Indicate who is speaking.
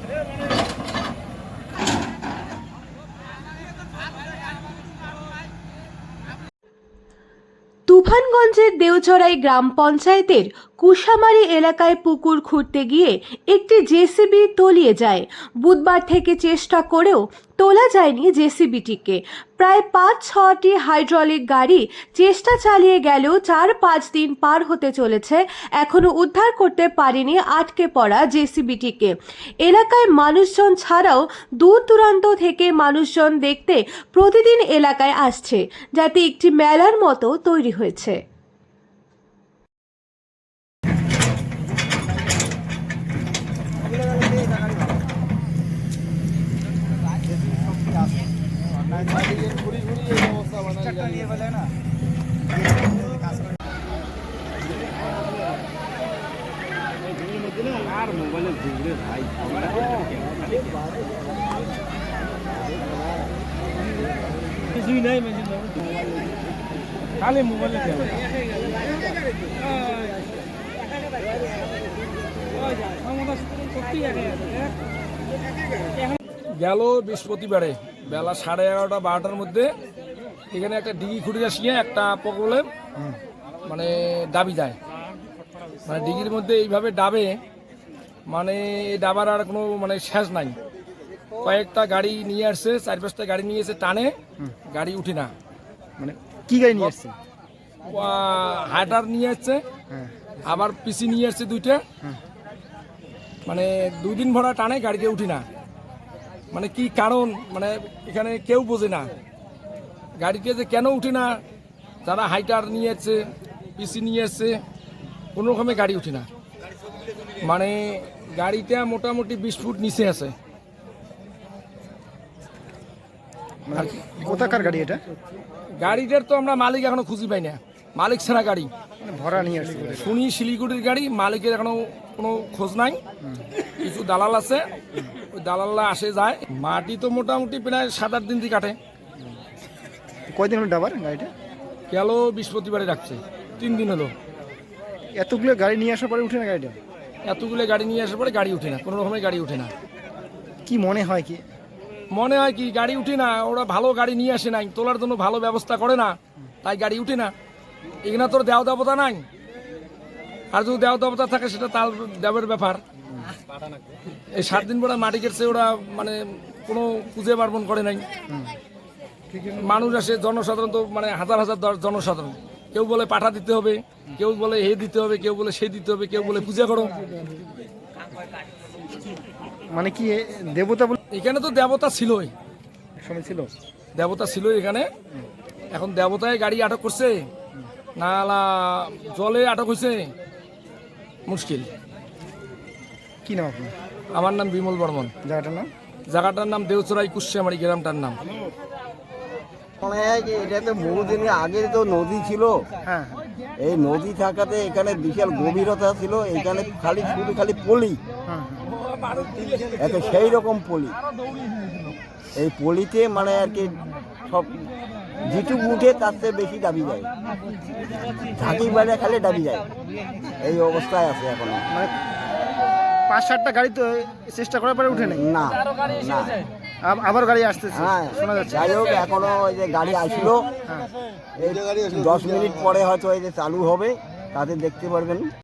Speaker 1: তুফানগঞ্জের দেওচড়াই গ্রাম পঞ্চায়েতের কুশামারি এলাকায় পুকুর খুঁড়তে গিয়ে একটি জেসিবি তলিয়ে যায়। বুধবার থেকে চেষ্টা করেও তোলা যায়নি জেসিবিটিকে। প্রায় ৫-৬টি হাইড্রোলিক গাড়ি চেষ্টা চালিয়ে গেলেও ৪-৫ দিন পার হতে চলেছে, এখনো উদ্ধার করতে পারেনি আটকে পড়া জেসিবিটিকে। এলাকায় মানুষজন ছাড়াও দূর দূরান্ত থেকে মানুষজন দেখতে প্রতিদিন এলাকায় আসছে, যাতে একটি মেলার মতো তৈরি হয়েছে।
Speaker 2: আর মোবাইলে ঘুরে ভাই কিছুই নাই খালি মোবাইলে গেল বৃহস্পতিবারে বেলা 11:30-12টার মধ্যে এখানে একটা ডিগি খুঁড়ে আসিয়ে একটা প্রবলেম মানে দাবি যায়, মানে ডিগির মধ্যে এইভাবে ডাবে, মানে এই ডাবার আর কোনো মানে শেষ নাই। কয়েকটা গাড়ি নিয়ে আসছে, 4-5টা গাড়ি নিয়ে এসে টানে, গাড়ি উঠে না।
Speaker 3: মানে কি গাড়ি নিয়ে আসছে?
Speaker 2: হাইডার নিয়ে আসছে, আবার পিসি নিয়ে আসছে 2টা, মানে 2 দিন ভরা টানে, গাড়িতে উঠি না। মানে কি কারণ, মানে এখানে কেউ বোঝে না গাড়িতে যে কেন উঠে না। যারা হাইটার নিয়ে আসছে, পিসি নিয়ে আসছে, কোনো রকমে গাড়ি উঠে না। মানে গাড়িটা মোটামুটি 20 ফুট নিচে আছে।
Speaker 3: কোথাকার গাড়ি এটা?
Speaker 2: গাড়িটার তো আমরা মালিক এখনো খুঁজে পাই না, মালিক ছাড়া গাড়ি
Speaker 3: ভরা নিয়ে আসছে
Speaker 2: শুনি শিলিগুড়ির গাড়ি, মালিকের এখনো কোনো খোঁজ নাই। কিছু দালাল আছে, ওই দালালরা আসে যায়। মাটি তো মোটামুটি প্রায় 7-8 দিন দিয়ে কাটে।
Speaker 3: কয়দিন হলো ডাবার গাড়িটা?
Speaker 2: গেল বৃহস্পতিবারে রাখছে, 3 দিন হলো।
Speaker 3: এতগুলো গাড়ি নিয়ে আসার পরে উঠে না গাড়িটা?
Speaker 2: এতগুলো গাড়ি নিয়ে আসার পরে গাড়ি উঠে না, কোনো রকমের গাড়ি উঠে না।
Speaker 3: কি মনে হয় কি?
Speaker 2: মনে হয় কি গাড়ি উঠে না, ওরা ভালো গাড়ি নিয়ে আসে নাই, তোলার জন্য ভালো ব্যবস্থা করে না, তাই গাড়ি উঠে না। এখানে তোর দেওয়া দেবতা নাই, আর যদি দেওয়া দেবতা থাকে সেটা তার দেবের ব্যাপার। এই 7 দিন পরে মাটি কেটছে, ওরা মানে কোনো পুজো পার্বণ করে নাই। মানুষ আসে, জনসাধারণ তো মানে হাজার হাজার জনসাধারণ, কেউ বলে পাঠা দিতে হবে, কেউ বলে হে দিতে হবে, কেউ বলে সে দিতে হবে, কেউ বলে পূজা করো।
Speaker 3: মানে কি দেবতা বলে?
Speaker 2: এখানে তো দেবতা ছিলই,
Speaker 3: সময় ছিল
Speaker 2: দেবতা ছিল এখানে। এখন দেবতায় গাড়ি আটক করছে না জলে আটক হয়েছে, মুশকিল।
Speaker 3: কি নাম আপনার?
Speaker 2: আমার নাম বিমল বর্মন।
Speaker 3: জায়গাটার নাম?
Speaker 2: জায়গাটার নাম দেওচড়াই কুশামারি গ্রামটার নাম।
Speaker 4: মনে হয় যে এটা তো বহুদিনের আগে তো নদী ছিল।
Speaker 3: হ্যাঁ,
Speaker 4: এই নদী থাকাতে এখানে বিশাল গভীরতা ছিল, এখানে শুধু খালি পলি, এত সেই রকম পলি। এই পলিতে মানে আর কি সব যেটুকু উঠে তার চেয়ে বেশি দাবি যায়, ঝাঁকি বাইরে খালি দাবি যায়। এই অবস্থায় আছে এখনো।
Speaker 3: মানে 5-7টা গাড়ি তো চেষ্টা করার পরে উঠে নাই?
Speaker 4: না না,
Speaker 3: আবার গাড়ি আসতেছে,
Speaker 4: হ্যাঁ
Speaker 3: শোনা যাচ্ছে।
Speaker 4: যাই হোক, এখনো ওই যে গাড়ি আসলো, এই 10 মিনিট পরে হয়তো এই যে চালু হবে, তাতে দেখতে পারবেন।